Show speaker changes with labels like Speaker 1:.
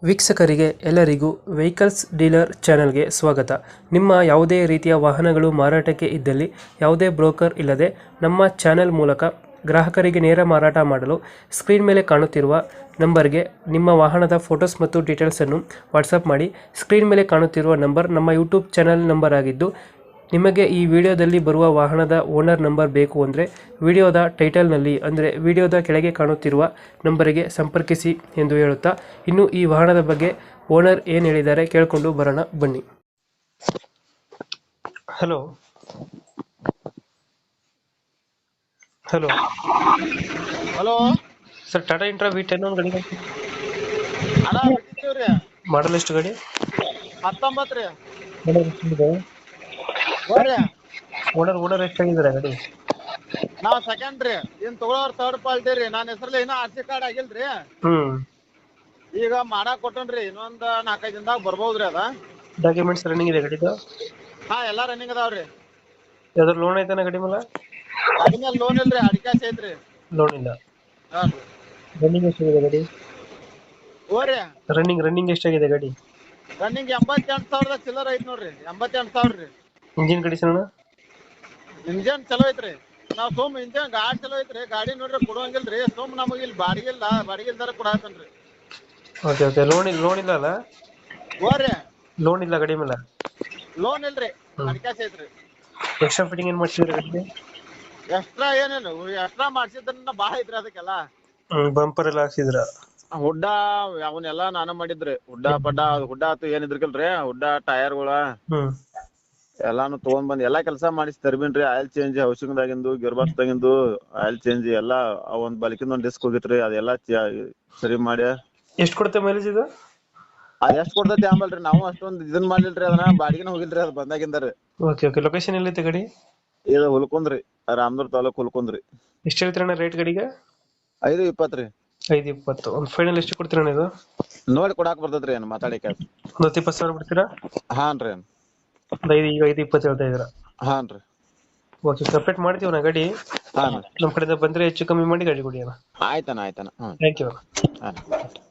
Speaker 1: ವೀಕ್ಷಕರಿಗೆ ಎಲ್ಲರಿಗೂ vehicles dealer ಚಾನೆಲ್ಗೆ ಸ್ವಾಗತ. ನಿಮ್ಮ ಯಾವುದೇ ರೀತಿಯ ವಾಹನಗಳು ಮಾರಾಟಕ್ಕೆ ಇದ್ದಲ್ಲಿ ಯಾವುದೇ ಬ್ರೋಕರ್ ಇಲ್ಲದೆ ನಮ್ಮ ಚಾನೆಲ್ ಮೂಲಕ ಗ್ರಾಹಕರಿಗೆ ನೇರ ಮಾರಾಟ ಮಾಡಲು ಸ್ಕ್ರೀನ್ ಮೇಲೆ ಕಾಣುತ್ತಿರುವ ನಂಬರ್ಗೆ ನಿಮ್ಮ ವಾಹನದ ಫೋಟೋಸ್ ಮತ್ತು ಡೀಟೇಲ್ಸನ್ನು ವಾಟ್ಸಪ್ ಮಾಡಿ. ಸ್ಕ್ರೀನ್ ಮೇಲೆ ಕಾಣುತ್ತಿರುವ ನಂಬರ್ ನಮ್ಮ ಯೂಟ್ಯೂಬ್ ಚಾನೆಲ್ ನಂಬರ್ ಆಗಿದ್ದು, ನಿಮಗೆ ಈ ವಿಡಿಯೋದಲ್ಲಿ ಬರುವ ವಾಹನದ ಓನರ್ ನಂಬರ್ ಬೇಕು ಅಂದರೆ ವಿಡಿಯೋದ ಟೈಟಲ್ನಲ್ಲಿ ಅಂದರೆ ವಿಡಿಯೋದ ಕೆಳಗೆ ಕಾಣುತ್ತಿರುವ ನಂಬರಿಗೆ ಸಂಪರ್ಕಿಸಿ ಎಂದು ಹೇಳುತ್ತಾ, ಇನ್ನು ಈ ವಾಹನದ ಬಗ್ಗೆ ಓನರ್ ಏನು ಹೇಳಿದ್ದಾರೆ ಕೇಳಿಕೊಂಡು ಬರೋಣ ಬನ್ನಿ. Hello hello
Speaker 2: hello
Speaker 1: sir, Tata Intra V10 ಒಂದು ಗಾಡಿ
Speaker 2: ಅಣ್ಣ ಬಿಟ್ಟಿದ್ದೀವ್ರಿ.
Speaker 1: ಮಾಡಲ್ ಎಷ್ಟು ಗಾಡಿ?
Speaker 2: 19 ರೀ.
Speaker 1: ಓನರ್
Speaker 2: ನೋಡ್ರಿ
Speaker 1: ಓನರ್ ಎಷ್ಟಾಗಿದ್ದಾರೆ ಗಾಡಿ?
Speaker 2: ನಾವ್ ಸೆಕೆಂಡ್ ರೀ. ಇನ್ ತಗೊಳೋರ್ ಥರ್ಡ್ ಪಾರ್ಟಿ ರೀ. ನನ್ನ ಹೆಸರಲ್ಲಿ ಇನ್ನ RC ಕಾರ್ಡ್ ಆಗಿಲ್ರಿ. ಈಗ ಮಾಡಾಕ್ ಕೊಟ್ಟನ್ರಿ. ಇನ್ನೊಂದ್ 4-5 ದಿನದಾಗ ಬರ್ಬೋದ್ರಿ ಅದ.
Speaker 1: ಡಾಕ್ಯುಮೆಂಟ್ಸ್ ರನ್ನಿಂಗ್ ಇದೆ ಗಾಡಿದು?
Speaker 2: ಹಾ, ಎಲ್ಲಾ ರನ್ನಿಂಗ್ ಅದಾವ್ರಿ.
Speaker 1: ಯಾವ್ದಾದ್ರು ಲೋನ್ ಐತಾನ ಗಾಡಿ ಮೇಲೆ?
Speaker 2: ಗಾಡಿ ಮೇಲೆ ಲೋನ್ ಇಲ್ರಿ, ಅಡಿಕಾಸ್ ಐತ್ರಿ.
Speaker 1: ಲೋನ್ ಇಲ್ಲ.
Speaker 2: ಹಾನ್ರಿ.
Speaker 1: ರನ್ನಿಂಗ್ ಎಷ್ಟಾಗಿದೆ ಗಾಡಿ?
Speaker 2: ಓರಿ
Speaker 1: ರನ್ನಿಂಗ್ ಎಷ್ಟಾಗಿದೆ ಗಾಡಿ?
Speaker 2: ರನ್ನಿಂಗ್ 88,000 ಚಿಲ್ಲರ್ ಐತ್ ನೋಡ್ರಿ. 88,000 ರೀ.
Speaker 1: Engine condition?
Speaker 2: ಇಂಜನ್ ಚಲೋ ಐತ್ರಿ. ನಾವ್ ಇಂಜನ್ ಗಾಡಿ ಚಲೋ ಐತ್ರಿ. ಗಾಡಿ ನೋಡ್ರಿ ಕೊಡುವಂಗಿಲ್ರಿ. ನಮಗ್ ಇಲ್ಲಿ ಬಾಡಿಗೆಲ್ದಾರ ಕೊಡಾತನ್ರಿ.
Speaker 1: ಓಕೆ ಲೋನ್ ಇಲ್ಲ ಅಲ್ಲ?
Speaker 2: ಓರಿ
Speaker 1: ಲೋನ್ ಇಲ್ಲ ಗಾಡಿ ಮೇಲೆ?
Speaker 2: ಲೋನ್ ಇಲ್ರಿ, ಅಡಿಕಾಸ್ ಐತ್ರಿ.
Speaker 1: ಎಕ್ಸ್ಟ್ರಾ ಫಿಟ್ಟಿಂಗ್ ಏನ್ ಮಾಡ್ಸಿದ್ರಿ ಗಾಡಿಗೆ?
Speaker 2: ಎಕ್ಸ್ಟ್ರಾ ಏನೇನು ಎಕ್ಸ್ಟ್ರಾ ಮಾಡ್ಸಿದ್ರನ್ನ ಬಾಳ ಐತ್ರಿ ಅದಕ್ಕೆಲ್ಲ.
Speaker 1: ಬಂಪರ್ ಎಲ್ಲ ಹಾಕ್ಸಿದ್ರ?
Speaker 2: ಹುಡ್ಡ ಅವನ್ನೆಲ್ಲಾ ನಾನ ಮಾಡಿದ್ರಿ. ಹುಡ್ಡ ಆತು ಏನಿದ್ರಕಲ್ರಿ, ಹುಡ್ಡ ಟೈರ್ಗಳ ಎಲ್ಲಾನು ತಗೊಂಡ್ ಬಂದ್ ಎಲ್ಲಾ ಕೆಲಸ ಮಾಡಿಸಿ ತರ್ಬಿನ್ರಿ. ಆಯಿಲ್ ಚೇಂಜ್, ಹೌಸಿಂಗ್ ದಾಗಿಂದು, ಗಿಯರ್ ಬಾಕ್ಸ್ ದಾಗಿಂದು ಆಯಿಲ್ ಚೇಂಜ್ ಎಲ್ಲಾ. ಒಂದ್ ಬಲಿಕಿಂದ ಒಂದ್ ಡಿಸ್ಕ್ ಹೋಗಿತ್ರಿ, ಅದೆಲ್ಲಾ ಸರಿ ಮಾಡಿ.
Speaker 1: ಎಷ್ಟು ಕೊಡುತ್ತೆ ಮೈಲೇಜ್ ಇದು?
Speaker 2: ಅದ್ ಎಷ್ಟ್ ಕೊಡ್ತೈತಿ ಆಮೇಲ್ರಿ. ನಾವು ಅಷ್ಟೊಂದ್ ಇದನ್ ಮಾಡ್ಲಿಲ್ರಿ, ಅದನ್ನ ಬಾಡಿಗೆನ ಹೋಗಿಲ್ರಿ ಅದ್ ಬಂದಾಗಿಂದರಿ.
Speaker 1: ಓಕೆ ಲೊಕೇಶನ್ ಎಲ್ಲೈತೆ ಗಾಡಿ?
Speaker 2: ಇದು ಹುಲ್ಕುಂದ್ರಿ, ರಾಮದುರ್ಗ ತಾಲೂಕ್ ಹುಲ್ಕುಂದ್ರಿ.
Speaker 1: ಎಷ್ಟು ಹೇಳ್ತೀರಣ್ಣ ರೇಟ್ ಗಾಡಿಗೆ?
Speaker 2: 5:20 ರೀ.
Speaker 1: 5:20. ಒಂದು ಫೈನಲ್ ಎಷ್ಟು ಕೊಡ್ತೀರಣ್ಣ ಇದು?
Speaker 2: ನೋಡಿ ಕೊಡಾಕ್ ಬರ್ತೈತ್ರಿ, ಏನ್ ಮಾತಾಡಿಕ.
Speaker 1: ಒಂದು 20,000 ಬಿಡ್ತೀರಾ?
Speaker 2: ಹಾನ್ರಿ.
Speaker 1: ಈಗ 5:20 ಹೇಳ್ತಾ ಇದ್ದೀರಾ?
Speaker 2: ಹಾನ್ರಿ.
Speaker 1: ಓಕೆ, ಸಪ್ರೇಟ್ ಮಾಡ್ತೀವಿ ನಾ ಗಾಡಿ.
Speaker 2: ಹಾನ್
Speaker 1: ನಮ್ಮ ಕಡೆಯಿಂದ ಬಂದ್ರೆ ಹೆಚ್ಚು ಕಮ್ಮಿ ಮಾಡಿ ಗಾಡಿ ಕೊಡಿ ಅಣ್ಣ.
Speaker 2: ಆಯ್ತಣ್ಣ.
Speaker 1: Thank you.
Speaker 2: ಹಾಂ.